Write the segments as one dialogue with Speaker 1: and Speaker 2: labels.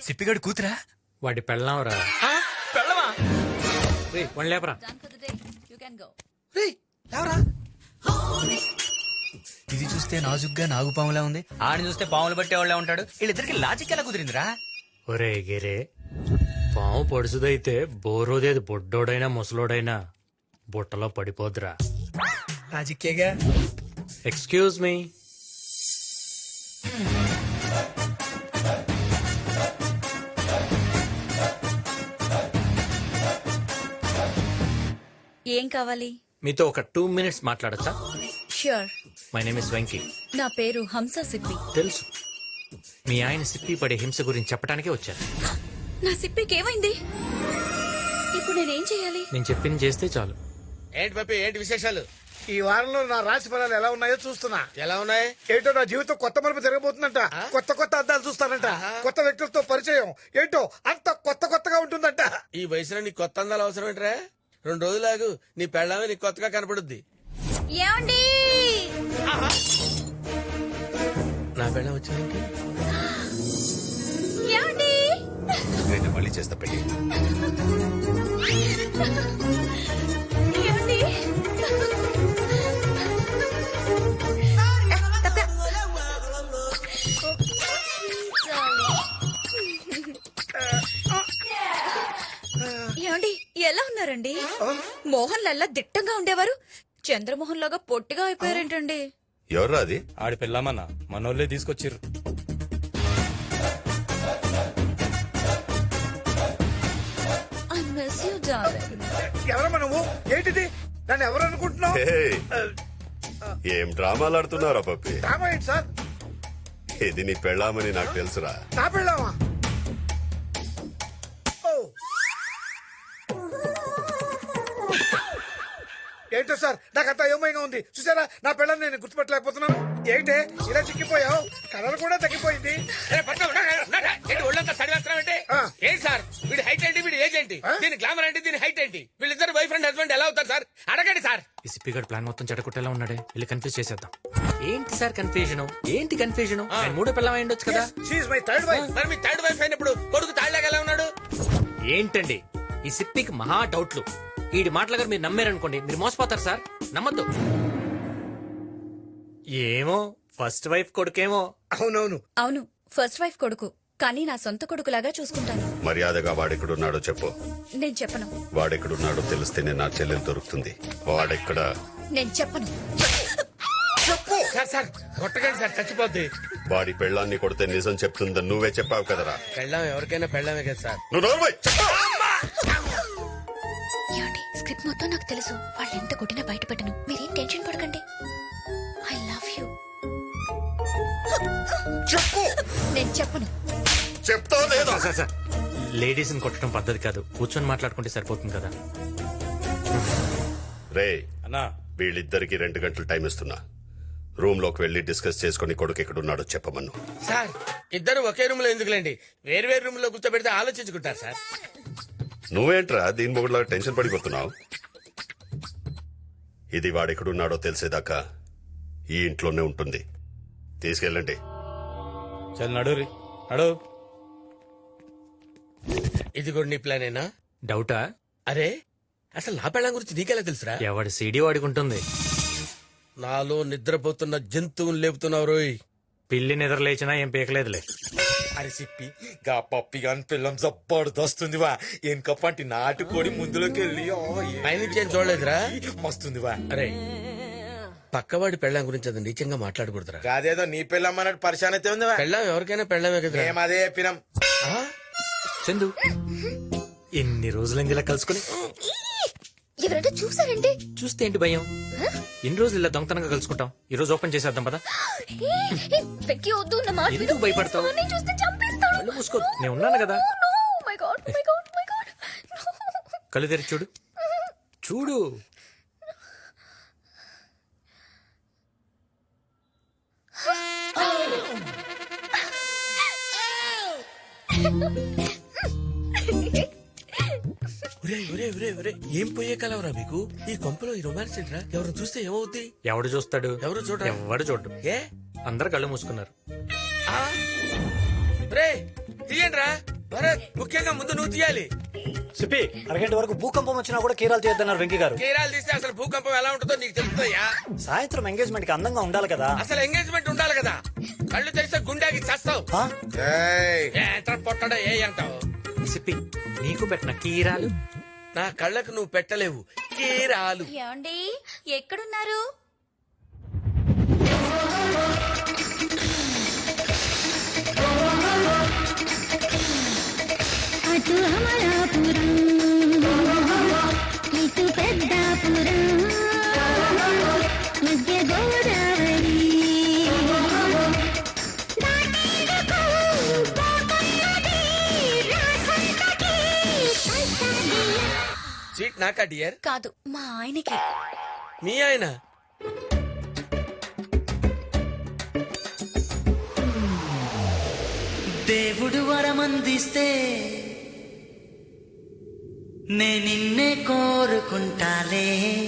Speaker 1: సిప్పిగడు కూతురా?
Speaker 2: వాడి పెళ్ళాంరా.
Speaker 1: పెళ్ళమా?
Speaker 2: వన్ లేపరా.
Speaker 1: ఇది చూస్తే నాజుగ్గా నాగుపాములా ఉంది, ఆడిని చూస్తే పాములు పట్టేవాళ్ళ ఉంటాడు. వీళ్ళిద్దరికి లాజిక్ ఎలా కుదిరిందిరా?
Speaker 2: ఒరే గిరే, పాము పొడుసుదైతే బోరోదేది బొడ్డోడైనా ముసలోడైనా బుట్టలో పడిపోద్దురా.
Speaker 1: లాజిక్కేగా.
Speaker 2: Excuse me.
Speaker 3: ఏం కావాలి?
Speaker 2: మీతో ఒక 2 minutes మాట్లాడచ్చా?
Speaker 3: Sure.
Speaker 2: My name is Venky.
Speaker 3: నా పేరు హంస సిప్పి.
Speaker 2: తెలుసు, మీ ఆయన సిప్పి పడే హింస గురించి చెప్పడానికే వచ్చాను.
Speaker 3: నా సిప్పికి ఏమైంది? ఇప్పుడు నేనేం చేయాలి?
Speaker 2: నేను చెప్పింది చేస్తే చాలు.
Speaker 4: ఏంటి పప్పి, ఏంటి విశేషాలు?
Speaker 5: ఈ వారంలో నా రాశి ఫలాలు ఎలా ఉన్నాయో చూస్తున్నా.
Speaker 4: ఎలా ఉన్నాయి?
Speaker 5: ఏంటో నా జీవితం కొత్త మలుపు జరగబోతుందంట. కొత్త కొత్త అద్దాలు చూస్తానంట. కొత్త వ్యక్తులతో పరిచయం. ఏంటో అంత కొత్త కొత్తగా ఉంటుందంట.
Speaker 4: ఈ వయసులో నీ కొత్త అందాలు అవసరం ఏంట్రా? 2 రోజులాగు నీ పెళ్ళామే నీకు కొత్తగా కనపడుద్ది.
Speaker 3: ఏమండి?
Speaker 4: నా పెళ్ళం వచ్చింది.
Speaker 3: ఏమండి?
Speaker 6: నేను మళ్ళీ చేస్తా పెళ్లి.
Speaker 3: ఏమండి? ఏమండి, ఎలా ఉన్నారండి? మోహన్ లల్లా దిట్టంగా ఉండేవారు, చంద్రమోహన్ లాగా పొట్టిగా అయిపోయారేంటండి?
Speaker 6: ఎవర్రా అది?
Speaker 7: ఆడి పెళ్ళామన్నా మనోళ్ళే తీసుకొచ్చిర్రు.
Speaker 3: I miss you darling.
Speaker 5: ఎవరమ్మా నువ్వు? ఏంటిది? నన్ను ఎవరు అనుకుంటున్నావు?
Speaker 6: హే, ఏం డ్రామాలు ఆడుతున్నారా పప్పి?
Speaker 5: డ్రామా ఏంటి సార్?
Speaker 6: ఇది నీ పెళ్ళామని నాకు తెలుసురా.
Speaker 5: నా పెళ్ళామా? ఓ. ఏంటో సార్, నాకంతా ఏమైనా ఉంది. చూసారా, నా పెళ్ళని నేను గుర్తుపట్టలేకపోతున్నాను. ఏంటే ఇలా చిక్కిపోయావు? కలర్ కూడా తగ్గిపోయింది.
Speaker 4: ఒళ్ళంతా సడివేస్తున్నావంటే
Speaker 5: ఆ.
Speaker 4: ఏంటి సార్? వీడి హైట్ ఏంటి, వీడి ఏజ్ ఏంటి, దీని గ్లామర్ ఏంటి, దీని హైట్ ఏంటి, వీళ్ళిద్దరు బాయ్ ఫ్రెండ్ హస్బెండ్ ఎలా అవుతారు సార్? అడగండి సార్.
Speaker 2: ఈ సిప్పిగడ్ ప్లాన్ మొత్తం చెడగొట్టేలా ఉన్నాడే, వెళ్ళి కన్ఫ్యూజ్ చేసేద్దాం. ఏంటి సార్ కన్ఫ్యూజన్? ఏంటి కన్ఫ్యూజన్? ఆయన మూడో పిల్లం అయి ఉండొచ్చు కదా.
Speaker 5: She my third wife.
Speaker 4: మరి మీ థర్డ్ వైఫ్ అయినప్పుడు కొడుకు తాళ్ళగా ఎలా ఉన్నాడు?
Speaker 2: ఏంటండి ఈ సిప్పికి మహా డౌట్లు. ఈడి మాటల గారు మీరు నమ్మారనుకోండి, మీరు మోసపోతారు సార్. నమ్మద్దు. ఏమో ఫస్ట్ వైఫ్ కొడుకేమో.
Speaker 5: అవునవును.
Speaker 3: అవును, ఫస్ట్ వైఫ్ కొడుకు, కానీ నా సొంత కొడుకులాగా చూసుకుంటాను.
Speaker 6: మర్యాదగా వాడెక్కడున్నాడో చెప్పు.
Speaker 3: నేను చెప్పను.
Speaker 6: వాడెక్కడున్నాడో తెలిస్తేనే నా చెల్లెలు దొరుకుతుంది. వాడెక్కడ?
Speaker 3: నేను చెప్పను.
Speaker 4: సార్ సార్ కొట్టకండి సార్, చచ్చిపోద్ది.
Speaker 6: వాడి పెళ్ళాన్ని కొడితే నిజం చెప్తుందని నువ్వే చెప్పావు కదరా.
Speaker 4: పెళ్ళాం ఎవరికైనా పెళ్ళామే కదా సార్.
Speaker 6: నువ్వు నోర్మై.
Speaker 3: ఏమండి, స్క్రిప్ట్ మొత్తం నాకు తెలుసు. వాళ్ళు ఎంత కొట్టినా బయటపెట్టను. మీరేం టెన్షన్ పడకండి. I love you.
Speaker 6: చెప్పు.
Speaker 3: నేను చెప్పను.
Speaker 6: చెప్తావు లేదా?
Speaker 2: సార్ లేడీస్ ని కొట్టడం పద్ధతి కాదు, కూర్చొని మాట్లాడుకుంటే సరిపోతుంది కదా.
Speaker 6: రే
Speaker 7: అన్నా
Speaker 6: వీళ్ళిద్దరికి 2 గంటలు టైం ఇస్తున్నా. రూమ్ లోకి వెళ్లి డిస్కస్ చేసుకుని కొడుకు ఎక్కడున్నాడో చెప్పమను.
Speaker 4: సార్ ఇద్దరు ఒకే రూమ్ లో ఎందుకులేండి, వేరు వేరు రూమ్ లో కూర్చోబెడితే ఆలోచించుకుంటారు సార్.
Speaker 6: నువ్వేంట్రా దీని మొగుడులా టెన్షన్ పడిపోతున్నావు? ఇది వాడెక్కడున్నాడో తెలిసేదాకా ఈ ఇంట్లోనే ఉంటుంది. తీసుకెళ్ళండి.
Speaker 7: చల్ నడు రీ నడు.
Speaker 4: ఇది కూడా నీ ప్లానేనా?
Speaker 2: డౌటా?
Speaker 4: అరే అసలు నా పెళ్ళం గురించి నీకెలా తెలుసురా?
Speaker 2: ఎవడి సీడీ వాడికి ఉంటుంది.
Speaker 4: నాలో నిద్రపోతున్న జంతువుని లేపుతున్నావు రోయ్.
Speaker 2: పిల్లి నిద్ర లేచినా ఏం పీకలేదులే.
Speaker 7: అరే సిప్పి గా పప్పి గాని పిల్లం జబ్బర్దొస్తుంది వా. ఎనకప్పంటి నాటుకోడి ముందులోకి వెళ్ళి
Speaker 4: పైనుంచి ఏం చూడలేదురా?
Speaker 7: మస్తుంది వా.
Speaker 4: అరే పక్కవాడి పెళ్ళం గురించి అది నీచంగా మాట్లాడకూడదురా.
Speaker 7: కాదేదో నీ పిల్లం అన్నట్టు పరిశాన్ అయితే ఉంది.
Speaker 4: పెళ్ళం ఎవరికైనా పెళ్ళమే కదా.
Speaker 7: మేము అదే చెప్పినాం.
Speaker 2: చందు ఎన్ని రోజులైంది ఇలా కలుసుకుని?
Speaker 3: ఎవరైనా చూసారండి?
Speaker 2: చూస్తే ఏంటి భయం? ఎన్ని రోజులు ఇలా దొంగతనంగా కలుసుకుంటాం. ఈ రోజు ఓపెన్ చేసేద్దాం పదా.
Speaker 3: వెక్కి వద్దు, నా మాట విను.
Speaker 2: ఎందుకు భయపడతావు?
Speaker 3: నేను చూస్తే చంపేస్తాడు.
Speaker 2: కళ్ళు మూసుకో, నేను ఉన్నాను కదా.
Speaker 3: No, my God, my God, my God.
Speaker 2: కళ్ళు తెరిచి చూడు. చూడు.
Speaker 4: ఏం పోయే కలవరా మీకు? ఈ కొంపలో ఈ రొమాన్స్ ఏంట్రా? ఎవరు చూస్తే ఏమవుద్ది?
Speaker 2: ఎవడు చూస్తాడు?
Speaker 4: ఎవరు చూడరా?
Speaker 2: ఎవడు చూడు.
Speaker 4: ఏ
Speaker 2: అందరు కళ్ళు మూసుకున్నారు.
Speaker 4: రే తీయండిరా. భరత్ ముఖ్యంగా ముందు నువ్వు తీయాలి.
Speaker 8: సిప్పి అరగంట వరకు భూకంపం వచ్చినా కూడా కీరాలు చేయొద్దన్నారు వెంకీ గారు.
Speaker 4: కేరాలు తీస్తే అసలు భూకంపం ఎలా ఉంటుందో నీకు తెలుస్తుందయ్యా.
Speaker 8: సాయంత్రం ఎంగేజ్మెంట్ కి అందంగా ఉండాలి కదా.
Speaker 4: అసలు ఎంగేజ్మెంట్ ఉండాలి కదా. కళ్ళు తెరిస్తే గుండెకి చేస్తావు.
Speaker 8: ఆ?
Speaker 4: ఎంత పొట్టడా ఏ అంటావు.
Speaker 2: సిప్పి నీకు పెట్టిన కీరాలు
Speaker 4: నా కళ్ళకు నువ్వు పెట్టలేవు కేరాలు.
Speaker 3: ఏమండి ఎక్కడున్నారు?
Speaker 9: అటు అమలాపురం ఇటు పెద్దాపురం మధ్య గోదావరి దాటేందుకు పోతున్నది రాసంతకి పైసాదియ.
Speaker 4: సీట్ నాకా డియర్?
Speaker 3: కాదు మా ఆయనకి.
Speaker 4: మీ ఆయన
Speaker 10: దేవుడు వరమందిస్తే నే నిన్నే కోరుకుంటాలే.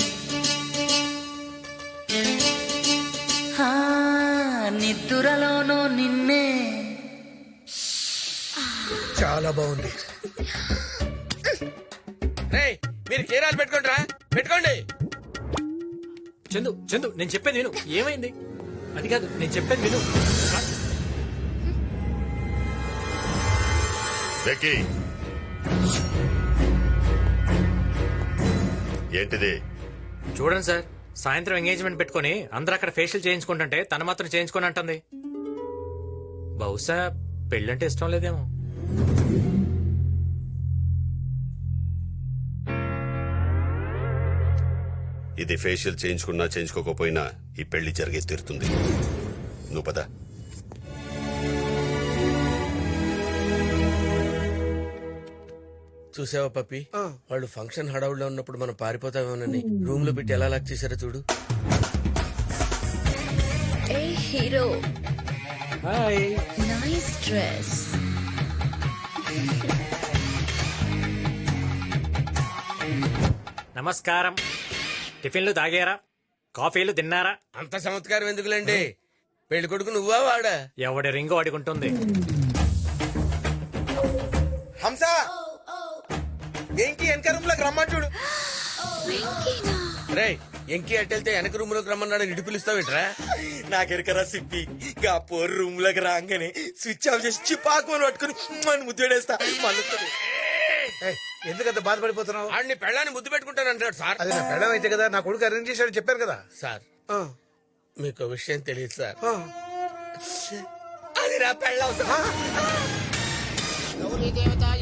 Speaker 10: ఆ, నిద్దురలోనూ నిన్నే.
Speaker 5: చాలా బాగుంది.
Speaker 4: రేయ్ మీరు కేరాలు పెట్టుకోండి రా, పెట్టుకోండి.
Speaker 2: చందు చందు నేను చెప్పేది విను. ఏమైంది? అది కాదు నేను చెప్పేది విను.
Speaker 6: వెక్కి ఏంటిది?
Speaker 2: చూడండి సార్, సాయంత్రం ఎంగేజ్మెంట్ పెట్టుకుని అందరూ అక్కడ ఫేషియల్ చేయించుకుంటుంటే తను మాత్రం చేయించుకొని అంటుంది. బహుశా పెళ్ళంటే ఇష్టం లేదేమో.
Speaker 6: ఇది ఫేషియల్ చేయించుకున్నా చేయించుకోకపోయినా ఈ పెళ్లి జరిగే తీరుతుంది. నువ్వు పద.
Speaker 4: చూసావా పప్పి, వాళ్ళు ఫంక్షన్ హడావుడిలో ఉన్నప్పుడు మనం పారిపోతామేమోనని రూమ్ లో పెట్టి ఎలా లాక్ చేశారో చూడు.
Speaker 3: ఏ హీరో
Speaker 2: హాయ్.
Speaker 3: Nice dress.
Speaker 2: నమస్కారం. టిఫిన్లు తాగారా? కాఫీలు తిన్నారా?
Speaker 4: అంత చమత్కారం ఎందుకులేండి. పెళ్లి కొడుకు నువ్వా వాడా?
Speaker 2: ఎవడి రింగు వాడుకుంటుంది.
Speaker 7: హంస ఏంటి వెనక రూమ్ లోకి రమ్మని చూడు.
Speaker 4: రేయ్ ఎంకి అట్టెళ్తే వెనక రూమ్ లోకి రమ్మన్నాడు ఇటు పిలుస్తావేట్రా?
Speaker 7: నాకెరకరా సిప్పి గా పోరు రూమ్ లోకి రాగానే స్విచ్ ఆఫ్ చేసి చిపాకుని పట్టుకుని మన ముద్దేడేస్తా.
Speaker 5: ఏయ్, ఎందుకంత బాధపడిపోతున్నావు?
Speaker 4: ఆడిని పెళ్ళాన్ని ముద్దు పెట్టుకుంటానంటాడు సార్.
Speaker 5: అది నా పెళ్ళం అయితే కదా, నా కొడుకు అరేంజ్ చేశాడు చెప్పాను కదా.
Speaker 4: సార్
Speaker 5: ఆ,
Speaker 4: మీకు విషయం తెలియదు సార్.
Speaker 5: ఆ.
Speaker 4: అది నా పెళ్ళం సార్.
Speaker 5: ఆ,